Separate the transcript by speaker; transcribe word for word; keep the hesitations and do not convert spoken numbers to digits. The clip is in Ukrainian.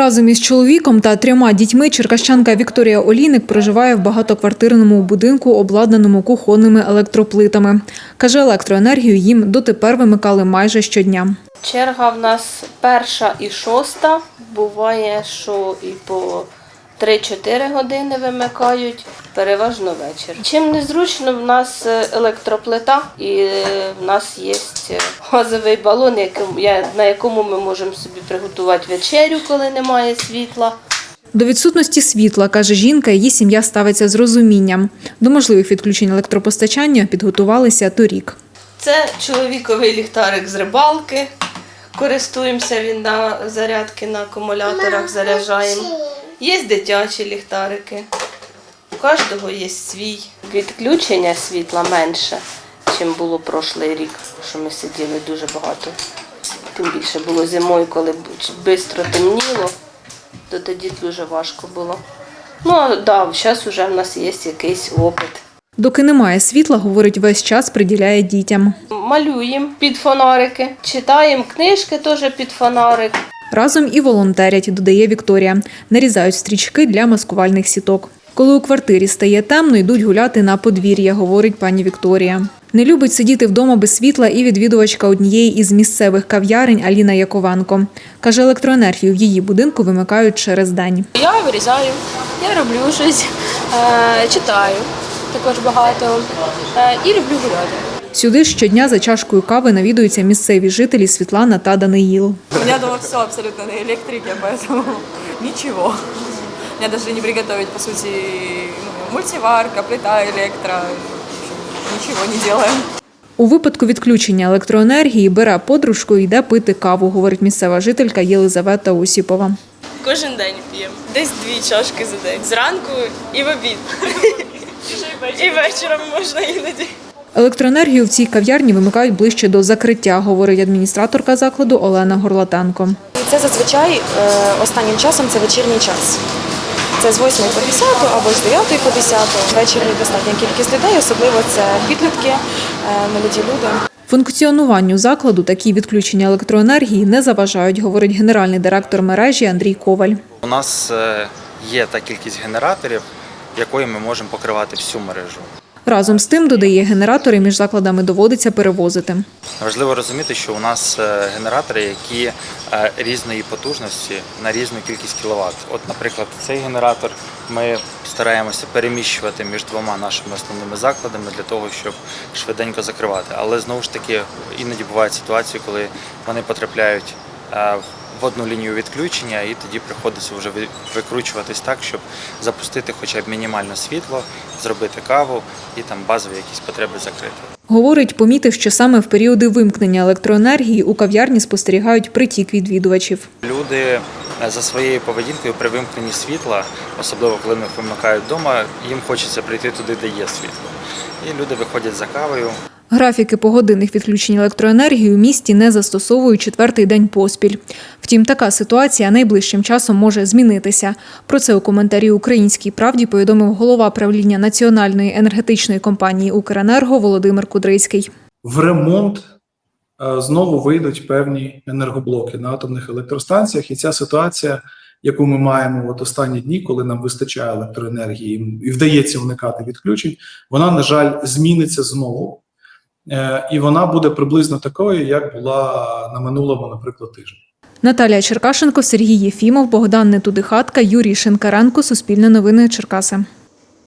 Speaker 1: Разом із чоловіком та трьома дітьми черкащанка Вікторія Олійник проживає в багатоквартирному будинку, обладнаному кухонними електроплитами. Каже, електроенергію їм дотепер вимикали майже щодня.
Speaker 2: Черга в нас перша і шоста. Буває, що і по три-чотири години вимикають, переважно вечір. Чим незручно, в нас електроплита і в нас є газовий балон, на якому ми можемо собі приготувати вечерю, коли немає світла.
Speaker 1: До відсутності світла, каже жінка, її сім'я ставиться з розумінням. До можливих відключень електропостачання підготувалися торік.
Speaker 2: Це чоловіковий ліхтарик з рибалки. Користуємося він на зарядки, на акумуляторах заряджаємо. Є дитячі ліхтарики, у кожного є свій. Відключення світла менше, ніж було прошлий рік, що ми сиділи дуже багато. Тим більше було зимою, коли швидко темніло, то тоді дуже важко було. Ну, а да, зараз вже в нас є якийсь опит.
Speaker 1: Доки немає світла, говорить, весь час приділяє дітям.
Speaker 2: Малюємо під фонарики, читаємо книжки теж під фонарик.
Speaker 1: Разом і волонтерять, додає Вікторія. Нарізають стрічки для маскувальних сіток. Коли у квартирі стає темно, йдуть гуляти на подвір'я, говорить пані Вікторія. Не любить сидіти вдома без світла і відвідувачка однієї із місцевих кав'ярень Аліна Яковенко. Каже, електроенергію в її будинку вимикають через день.
Speaker 3: Я вирізаю, я роблю щось, читаю також багато і люблю гуляти.
Speaker 1: Сюди щодня за чашкою кави навідуються місцеві жителі Світлана та Даниїл.
Speaker 3: У меня дома все абсолютно на электрике, поэтому ничего. Мне даже не приготовить, по сути, ну, мультиварка, плита, электро. Ничего не делаем.
Speaker 1: У випадку відключення електроенергії бере подружку і йде пити каву, говорить місцева жителька Єлизавета Осіпова.
Speaker 4: Кожен день п'ємо. Десь дві чашки за день. Зранку і в обід. І вечором можна іноді.
Speaker 1: Електроенергію в цій кав'ярні вимикають ближче до закриття, говорить адміністраторка закладу Олена Горлатенко.
Speaker 5: Це зазвичай останнім часом це вечірній час. Це з восьмої по десяту або з дев'ятої по десяту. Ввечері достатня кількість людей, особливо це підлітки, молоді люди.
Speaker 1: Функціонуванню закладу такі відключення електроенергії не заважають, говорить генеральний директор мережі Андрій Коваль.
Speaker 6: У нас є та кількість генераторів, якою ми можемо покривати всю мережу.
Speaker 1: Разом з тим, додає, генератори між закладами доводиться перевозити.
Speaker 6: Важливо розуміти, що у нас генератори, які різної потужності на різну кількість кіловат. От, наприклад, цей генератор ми стараємося переміщувати між двома нашими основними закладами для того, щоб швиденько закривати. Але знову ж таки іноді бувають ситуації, коли вони потрапляють в одну лінію відключення, і тоді приходиться вже викручуватись так, щоб запустити хоча б мінімальне світло, зробити каву і там базові якісь потреби закрити.
Speaker 1: Говорить, помітив, що саме в періоди вимкнення електроенергії у кав'ярні спостерігають притік відвідувачів.
Speaker 6: Люди за своєю поведінкою при вимкненні світла, особливо коли вони вимикають вдома, їм хочеться прийти туди, де є світло. І люди виходять за кавою.
Speaker 1: Графіки погодинних відключень електроенергії у місті не застосовують четвертий день поспіль. Втім, така ситуація найближчим часом може змінитися. Про це у коментарі «Українській правді» повідомив голова правління Національної енергетичної компанії «Укренерго» Володимир Кудрицький.
Speaker 7: В ремонт знову вийдуть певні енергоблоки на атомних електростанціях. І ця ситуація, яку ми маємо от останні дні, коли нам вистачає електроенергії і вдається уникати відключень, вона, на жаль, зміниться знову. І вона буде приблизно такою, як була на минулому, наприклад, тижні.
Speaker 1: Наталія Черкашенко, Сергій Єфімов, Богдан Нетудихатка, Юрій Шинкаренко. Суспільне новини Черкаси.